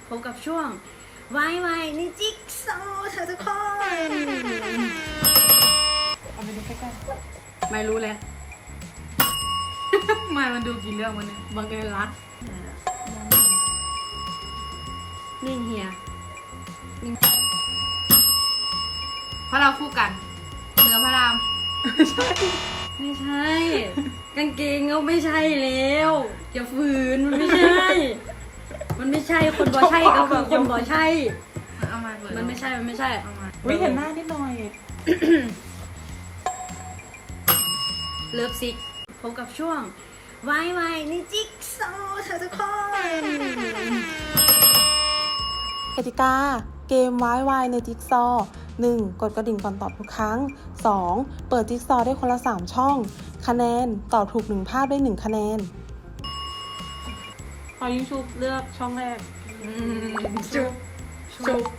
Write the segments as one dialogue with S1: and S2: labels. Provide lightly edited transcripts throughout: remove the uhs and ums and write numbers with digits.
S1: พบกับช่วงวายวายในจิ๊กซอว์ค่ะทุกคน
S2: เอาไปดูใกล้
S1: ไม่รู้แล้ว
S2: ๆ มันดูกี่เรื่องวันนี้
S1: บังเอิญรักนิ่งเฮียนิ่ง
S2: เพราะเราคู่กันเนื้อพระราม
S1: ไม่ใช่ กางเกงก็ไม่ใช่แล้วอย่าฝืนมันไม่ใช่ มันไม่ใช่คนบอใช่ก็คือคนบอใช่
S2: เอามาเปิด
S1: มันไม่ใช่มันไม่ใช่
S2: เอามา
S3: วิเห็นหน้านิดหน่อย
S1: เลิฟซิกพบกับช่วงวายวายในจิ๊กซอว์ค่ะทุกคน
S3: กติกา เกมวายวายในจิ๊กซอว์ 1. กดกระดิ่งก่อนตอบทุกครั้ง 2. เปิดจิ๊กซอว์ได้คนละ 3 ช่อง คะแนน ตอบถูก 1 ภาพได้ 1 คะแนน พอยิงชุบเลือกช่องแรก
S1: จุ๊บ
S3: ชุบ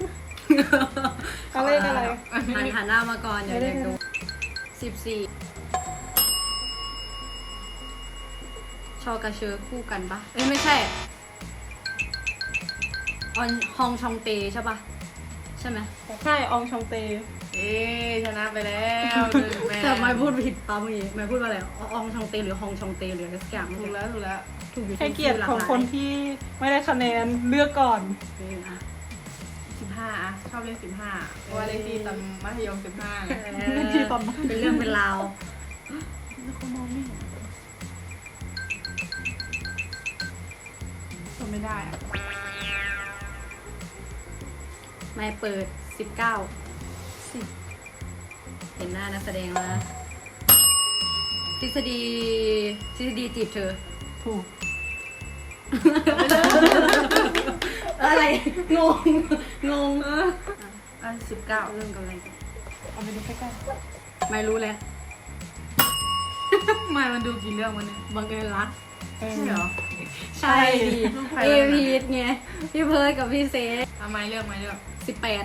S3: เขาเลขอะไร
S1: หันหน้ามาก่อนเดี๋ยวดู14ชอกระเชอคู่กันปะเอ้ยไม่ใช่ออนฮองชองเตใช่ปะใช่ไหม
S3: ใช่อองชองเต
S2: เอ๊ชนะไปแล้วหนึ่งแม่
S1: แต่ไม่พูดผิดปะเมื่อกี้ไม่พูดว่าอะไรอองชองเตหรือฮองชองเตหรืออะไรสักอย่าง
S2: ถูกแล้วถูกแล้ว
S1: ถูกอยู่
S3: ให้เกียรติของคนที่ไม่ได้คะแนนเลือกก่อน
S2: 15อ่ะชอบเลข15เพราะว่าเลขที่ตอนมัธยม15ไง
S3: เลขที่ตอนนั้น
S1: เป็นเรื่องเป็นราว
S3: แล้วเขามองไม่เห็น
S2: จำไม่ได้อ่ะ
S1: ไม่เปิด19 เห็นหน้านักแสดงแล้วนะทฤษฎีจีบเธอ
S3: ถูก
S1: อะไร งง
S2: อัน19
S1: เรื่องกับอะไรกัน
S3: เอาไปดูใกล้
S1: ไม่รู้แล้ว
S2: มันดูกี่เรื่องวันนี้
S1: บังเอิญรัก
S3: ๆ
S2: ใช่เหรอ
S1: ใช่ดิ
S2: ลูกใคร
S1: พี่
S2: วะ
S1: พีทไงพี่เพิร์ดกับพี่เซฟ
S2: ทำไมเลือกไม่เลือก
S1: 18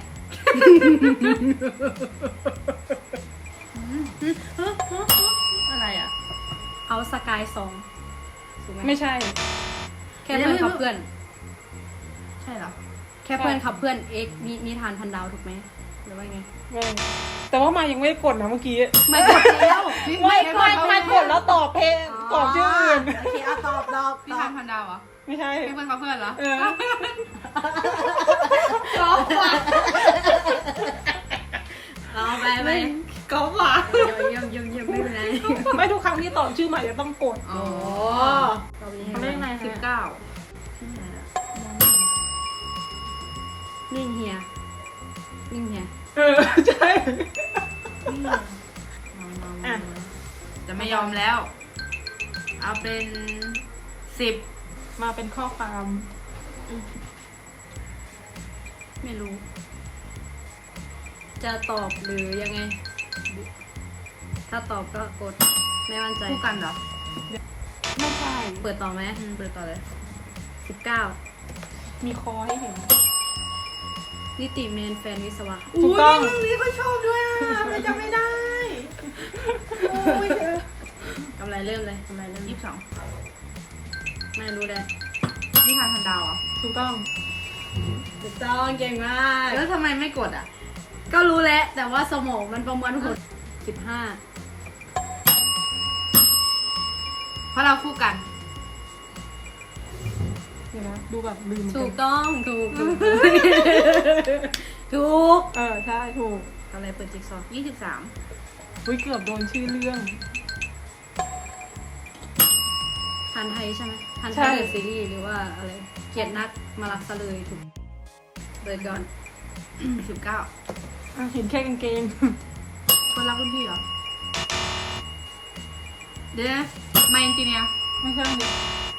S2: อะไรอ่ะ
S1: เอาสกาย2ถูกไหม
S3: ไม่ใช่
S1: แค่เพื่อนขับเพื่อน
S2: ใช่เหรอ
S1: แค่เพื่อนขับเพื่อนเอ็กนิทานพันดาวถูกไหมหรือว่าไง
S3: ไม่แต่ว่ามายังไม่ได้กดนะเมื่อกี้
S1: ไม่กดแล้ว
S3: ไม่กดแล้วตอบเพลงตอบชื่ออื่น
S1: โอเคเอาตอบ
S2: พี่ทานพันดาวเหรอ
S3: ไม่ใช่
S2: ให้เพื่อนเขาเพื่อนเหรอ
S3: เออ
S2: ก๊อฟว่ะ
S1: เอาไป
S2: ก๊อฟว่ะ
S1: เยี่ยมไม่เป็นไร
S3: ไม่ทุกครั้งที่ตอบชื่อใหม่จะต้องกด
S2: อ๋อ
S1: ตอบนี้
S3: เขาเรียกไง
S2: 19
S1: นิ่งเฮีย
S3: เออใช่ อ่ะ
S2: จะไม่ยอมแล้ว เอาเป็น10
S3: มาเป็นข้อความ
S1: ไม่รู้ จะตอบหรือยังไง ถ้าตอบก็กดไม่มั่นใจ
S2: คู่กันเหรอ
S3: ไม่ใช่
S1: เปิดต่อไหม
S2: เปิดต่อเลย
S1: 19
S3: มีคอให้เห็น
S1: นิติเมนแฟนวิศวะ
S3: ถูกต้อง
S2: นี่ก็ชอบด้วยอ่ะไม่จำไม่ได้
S1: กำไรเริ่มเลย
S2: 22
S1: ไม่รู้เลย
S2: นี่ทานพันดาวเหรอ
S3: ถูกต้อง
S1: ถูกต้องเก่งมาก
S2: แล้วทำไมไม่กดอ่ะ
S1: ก็รู้แล้วแต่ว่าสมองมันประมวลผล15
S2: เพราะเราคู่กัน
S3: เดี๋ยวนะดูแบบลืม
S1: ถูกต้องถูก
S3: เออใช่ถูก
S1: อะไรเปิดจิ๊กซอว์
S2: 23
S3: อุ้ยเกือบโดนชื่อเรื่อง
S1: ทันไทยใช่ไหมทันไท
S3: ใช่
S1: ยเดอะซีรีส์หรือว่าอะไรเกียรตินักมารักซะเลยถูกเปิดก่อน
S2: 19
S3: อ่ะเห็นแค่กางเกง
S2: คนรักรุ่นพี่เหรอ เดี๋ยวนะมาอินจิเนียร์
S3: ไม่ใช่ดิ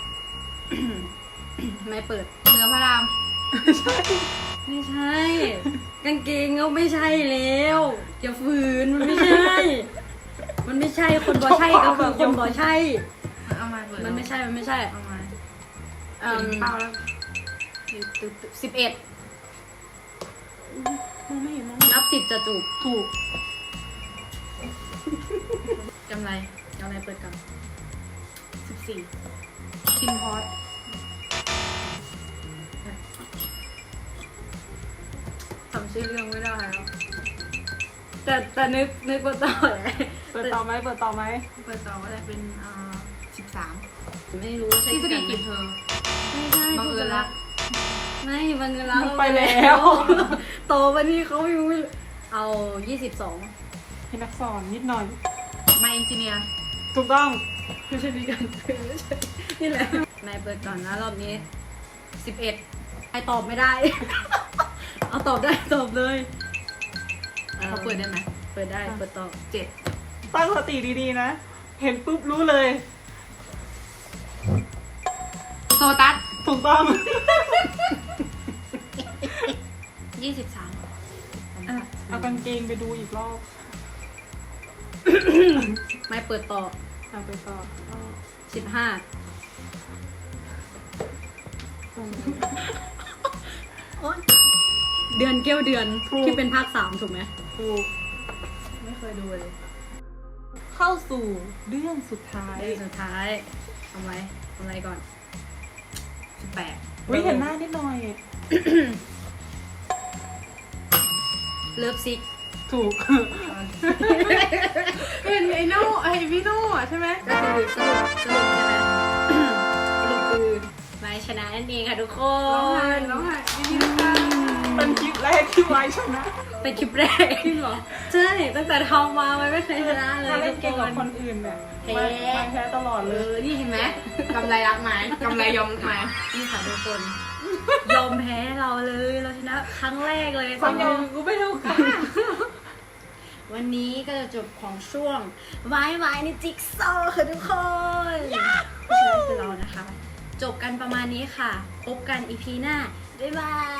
S1: ไม่เปิด
S2: เนื้อพระราม
S1: ไม่ใช่ กางเกงก็ไม่ใช่แล้วอย่าฝืนมันไม่ใช่ มันไม่ใช่คนบอใช่ก็คือคนบอใช่
S2: เอามาเปิด
S1: มันไม่ใช่
S2: เอามา
S1: เอ่อ
S2: เป้าแล้ว
S1: 11
S3: มองไม่เห็นมอง
S1: นับ10จะจูบ
S3: ถูก
S2: กำไร
S1: เอาอะไรเปิดก่อน
S2: 14คิมพอส
S1: ำชื่อเรื่องไม่ได้แล้วแต่นึกว่าต่อแหละ
S3: เปิดต่อไหม
S2: เปิดต่อว่าจะเป็น13
S1: ไม่รู้ว่าใช่
S2: ที่สกิ
S1: กันไหม
S2: กิจเธอ
S1: ไม่ใช่
S2: บังเอิญรัก
S1: ไม่บังเอิญรัก
S3: ไปแล้ว
S1: โตวันนี้เขายังไม่เอา22
S3: ให้นักสอนนิดหน่อย
S2: มาเอนจิเนียร์
S3: ถูกต้อง
S1: ไม่ใช่ดีกันไม่ใช่นี่แหละนายเปิดก่อนนะรอบนี้
S2: 11
S1: ไอตอบไม่ได้ เอาตอบได้ตอบเลย
S2: เขาเปิดได้ไหม
S1: เปิดได้เปิดตอบ
S2: 7
S3: ตั้งสติดีๆนะ เห็นปุ๊บรู้เลย
S2: โซตัส
S3: ถูกต้อง
S2: 23
S3: เอากางเกงไปดูอีกรอบ
S1: ไม่เปิดต่อ
S3: เอาไปต่อ
S1: 15โอ๊ยเดือนเกี้ยวเดือนที่เป็นภาค3ถูกไหม
S3: ถูก
S1: ไม่เคยดูเลย
S3: เข้าสู่เรื่องสุดท้าย
S1: เรื่องสุดท้ายทำอะไรก่อน
S2: 18
S3: วิเห็นหน้านิดหน่อย
S1: เลิฟซิก
S3: ถูก
S2: เป็นไอ้โน่ไอ้พี่โน่อะใช่ไหม
S1: ก็คือสรุปใช่ไหม สรุปคือไม่ชนะนั่นเองค่ะทุกค
S2: ร้องไห้
S1: น
S2: ยินดีด้วยค่ะ
S3: เป็นคลิปแรกที่ไว้ชนะ
S1: เป็นคลิปแรกจริงเหรอ ใช่ ตั้งแต่ทำมาไม่เคยชนะเลย
S3: ถ้าเล่นเก
S1: ทุ
S3: ม
S1: ก
S3: กับ
S1: ค
S3: คน นอื่นเนี่ย
S1: แพ้
S3: ไม่แพ้ตลอดเลย
S2: นี่เห็นไหมกำไรรักไหมกำไรยอมไหม
S1: นี่ค่ะทุกคน ยอมแพ้เราเลยเราชนะครั้งแรกเลย
S3: ความยอมกูไม่เท่ากัน
S1: วันนี้ก็จะจบของช่วงวายในจิ๊กซอว์ค่ะทุกคนเพราะฉะนั้นคือเรานะคะ จบกันประมาณนี้ค่ะ พบกันอีพีหน้า บ๊ายบาย